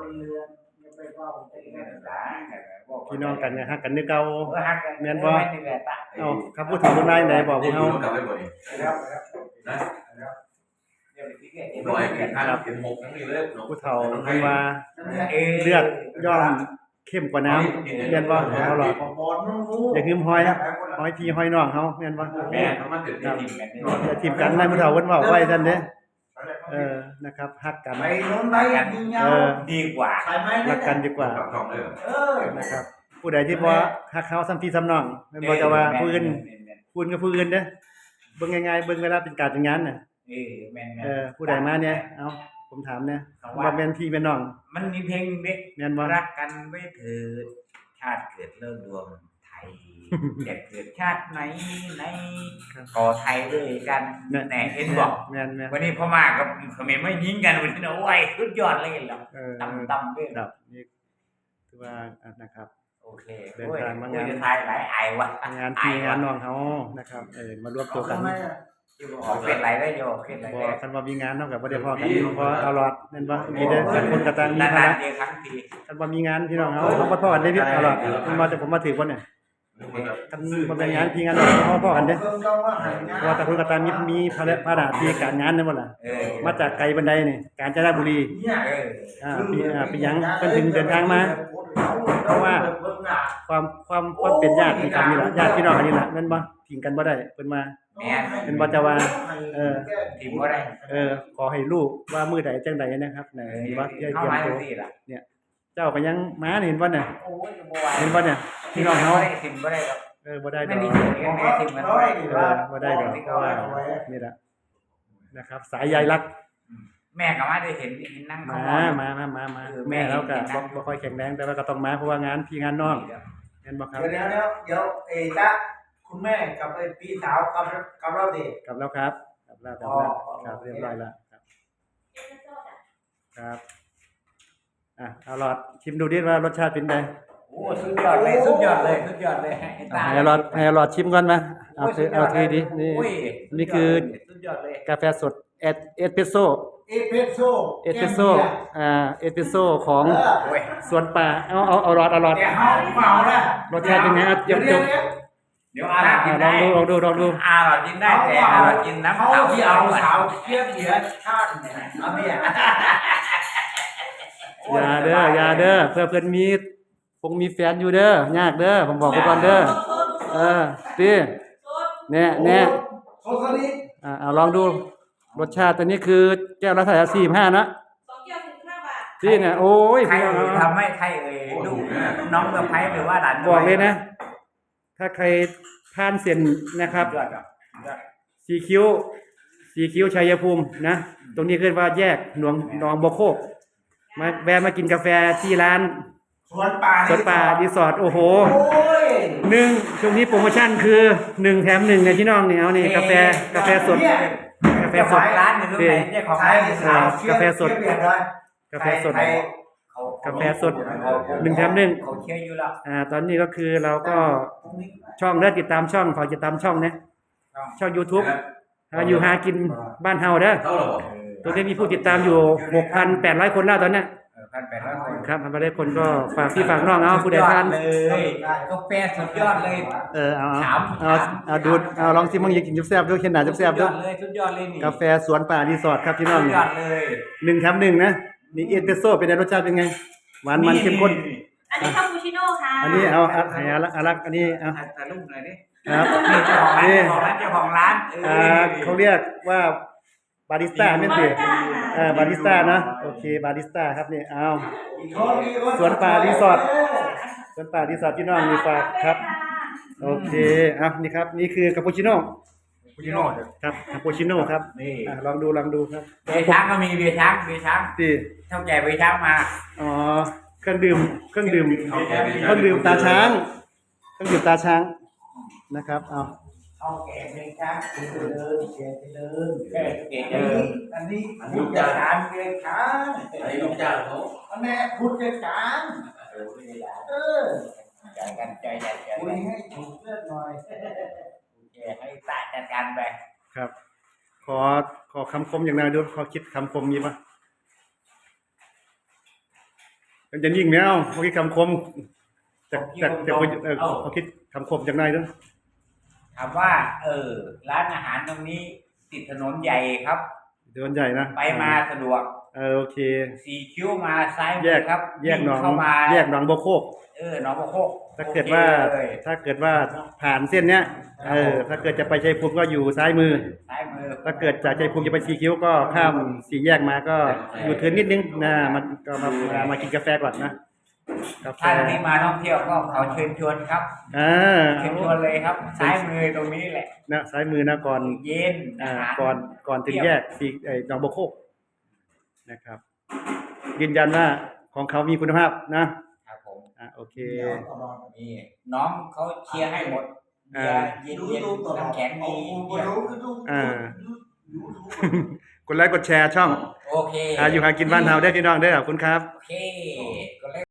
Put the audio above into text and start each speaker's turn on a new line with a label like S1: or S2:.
S1: พี่น้องกันเนี่ยฮักกันนึกเก่าแม่นบ่เอ้าคำพูดถึงคนใดไหนบอกพวกเฮาผู้เฒ่าเพิ่นว่าเลือดย่อมเข้มกว่าน้ำแม่นบ่เอาหรออย่าลืมหอยพี่หอยน้องเฮาแม่นบ่แม่นมันถึงได้ทิ่มกันอย่าทิ่มกันนายผู้เฒ่าเพิ่นเว้าไว้ซั่นเด้นะครับฮักกันดีกว่ารักกันดีกว่านะครับผู้ใดที่บ่ฮักเขาซ้ำพี่ซ้ำน้องแม่นบ่จะว่าผู้อื่นกับผู้อื่นเด้อเบิ่งง่ายๆเบิ่งเวลาเป็นการเป็นงานน่ะแม่นผู้ใดมาเนี่ยเอ้าผมถามเนี่ยว่าแม่นพี่แม่นน้อง
S2: มันมีเพลงเด็ก
S1: แม่นบ่
S2: รักกันไว้เถิดชาติเกิดเลิกดวงไทยจะเกิดชาติไหนขอไทยด้วยกันแหน่เห็นบอกวันนี้พ่อมากับเขมรไม่ยิงกันวันนี้นะโอ้ยสุดยอดเลยแล้วต่ำด้วย
S1: ครับนี่คือว่านะครับ
S2: โอเคเดินทางมางานไทยหลายไอวะ
S1: งานพี่งานน้องเขานะครับมารวมตัวกัน
S2: เป็นไรได้โยเป็นไร
S1: บ่คันว่ามีงานเนาะก็บ่ได้พอกันเพราะเอาหลอดแม่นบ่มีแต่คนกระตังมีภาระคันว่ามีงานพี่น้องเฮาบ่พอกันได้พี่เอาหลอดมาแต่ผมมาถือบ่เนี่ยคันบ่เป็นงานพี่งานน้องเฮาพอกันเด้เพราะแต่คนกระตังมีภาระที่การงานนั่นบ่ล่ะมาจากไกลบันไดนี่กาญจนบุรีปีหยังเพิ่นถึงเดินทางมาเพราะว่าความเป็นญาติกันนี่ล่ะญาติพี่น้องกันนี่ล่ะแม่นบ่ทิ้งกันบ่ได้เพิ่นมาเป็นบ่จะว่า
S2: ทิ้งบ่ได้
S1: ขอให้ลูกว่ามื้อใดจังใดนะครับว่าเตรียมตัวเนี่ยเจ้าก็ยังมาเห็นบ่เนี่ยเห็นบ่เนี่ยพี่น้องเฮา
S2: ทิ้งบ่ได้
S1: บ่ได้ดอก
S2: ทิ้งมันบ่ได้
S1: บ่ได้ดอกเพราะว่านี่ล่ะนะครับสายใยรัก
S2: แม่ก็มาได้เห็นนั่ง
S1: มาแม่แล้วก็บ่ค่อยแข็งแรงแต่ว่าก็ต้องมาเพราะว่างานพี่งานน้องเห็นบ่ครับ
S3: เดี๋ยวจ๊ะคุณแม่กับพี่สาวกับเราดิ
S1: กับแล้วครับครับเรียบร้อยแล้วครับเอาหลอดชิมดูดิว่ารสชาติเป็นไง
S2: โอ้สุดยอดเลย
S1: ให้หลอดชิมก่อนมาเอาทีดินี่คือกาแฟสดเอสเปรสโซ่เอสเปรสโซ่ของสวนป่าเอาหลอด
S3: เมาแล้ว
S1: รสชาติเป็นไงเ
S2: ดี๋ยวอากินได้
S1: ลองดู
S2: อากินได้แต่อากินน้ำเต้า
S3: ที่เอาสาวเทียบเหลือชาติเนี่ยเอาเนี่ย
S1: อย่าเด้อเพื่อเพิ่นมีแฟนอยู่เด้อยากเด้อผมบอกไว้ก่อนเด้อติแน่เอาลองดูรสชาติตัวนี้คือแก้วละเท่าไหร่45นะ
S4: 2 แก้ว15 บาท
S1: ที่เนี่ยโอ้ย
S2: ใครทำให้ใครลูกน้องสะใภ้หรือว่าหลาน
S1: บอกเลยนะถ้าใครผ่านเส้นนะครับสีคิ้วชัยภูมินะตรงนี้คือว่าแยกหนองบัวโคกมาแวะมากินกาแฟที่ร้าน
S3: สวนป่า
S1: รีสอร์ทโอ้โห1ช่วงนี้โปรโมชั่นคือ1แถม1เนี่ยพี่น้องเนี่ยเอานี่กาแฟสด
S2: ร้านอยู่ตรงไหนเจ้าของร้าน
S1: กาแฟสด1แถม1
S2: เขาเชียร์อยู่แล้ว
S1: ตอนนี้ก็คือเราก็ช่องติดตามช่องขอติดตามช่องนะช่อง YouTube อยู่หากินบ้านเฮาเด้อตัวนี้มีผู้ติดตามอยู่ 6,800 คนแล้วตอนนี้
S2: 1,800 คน
S1: ครับ1,800 คนก็ฝากพี่ฝากน้องเอาผู้ใดทาน
S2: เลยกาแฟสุดยอดเลย
S1: เอาดูลองชิมมั่งอยากกินแซ่บๆด้วยเข็นหนาแซ่บๆด้วย
S2: สุดยอดเลยนี่
S1: กาแฟสวนป่ารีสอร์ทครับพี่น้อง
S2: สุดยอดเลย
S1: 1แถม1นะนี่เอสเปรสโซ่เป็นรสชาติเป็นไงหวานมันเข้มข้น
S4: อันนี้คาปูชิโน่ค่ะ
S1: อันนี้เอาให้อารักอันนี้เอา
S2: ถ่ายรูปหน่อยดิ
S1: ครับ
S2: เจ้าของร้าน
S1: เขาเรียกว่าบาริสต้าไม่ผิดบาริสต้านะโอเคบาริสต้าครับนี่เอาสวนป่ารีสอร์ทพี่น้องมีฝากครับโอเคนี่ครับนี่คือคาปูชิโน่ครับคาปูชิโน่ครับนี่ลองดูครับ
S2: เบียร์ช้างก็มีเบียร์ช้าง
S1: ที่
S2: เท่าแก่เบียร์ช้างมา
S1: เครื่องดื่มตาช้างนะครับ
S3: เอาแก่เพลงช้างไปเลยอันนี้พูดจานเพลงช้าง
S5: อันนี้ลูกจ้างเขา
S3: อันนี้พูดจาน
S2: ใจ
S3: คุยให้ถูกเลือกหน่อย
S2: ให้ตาจัดการไป
S1: ครับขอคำคมอย่างไรดูขอคิดคำคมมีปะมันจะยิ่งแมวเขาคิดคำคมจากเขาคิดคำคมจากไหนด้วย
S2: ถามว่า ร้านอาหารตรงนี้ติดถนนใหญ่ครับ
S1: เดินใหญ่นะ
S2: ไปมาสะดวก
S1: โอเค
S2: สี่คิ้วมาซ้าย
S1: แย
S2: มือก ครับ
S1: แยกหนอง
S2: เข้ามา
S1: แยกหนองบัวโคก
S2: หนองบัวโคก
S1: ถ้าเกิดว่า
S2: โอเคเลย
S1: ถ้าเกิดว่าผ่านเส้นเนี้ยถ้าเกิดจะไปชัยภูมิก็อยู่ซ้ายมือ
S2: ซ้ายมือ
S1: ถ้าเกิดจากชัยภูมิจะไปสีคิ้วก็ข้ามสี่แยกมาก็อยู่เทินนิดนึงนะมันก็มากินกาแฟก่อนนะกาแฟ
S2: ท่านที่มาท่องเที่ยวก็ขอเชิญชวนครับ เชิญชวนเลยครับ ซ้ายมือตรงนี้แหละ
S1: นะซ้ายมือนะก่อน
S2: เย็นอาหาร
S1: ก่อนถึงแยกสีหนองบัวโคกนะครับยืนยันว่าของเขามีคุณภาพนะครับ
S2: ผม
S1: โอเค
S2: นี่น้องเขาเชียร์ให้หมดเบียร์เย็นๆน้ำแข็งมีเบียร์
S1: กดไลค์กดแชร์ช่อง
S2: โอเค
S1: อยู่หากินบ้านเฮาได้อพี่น้องเด้อขอบคุณครับ
S2: โอเคก็เลย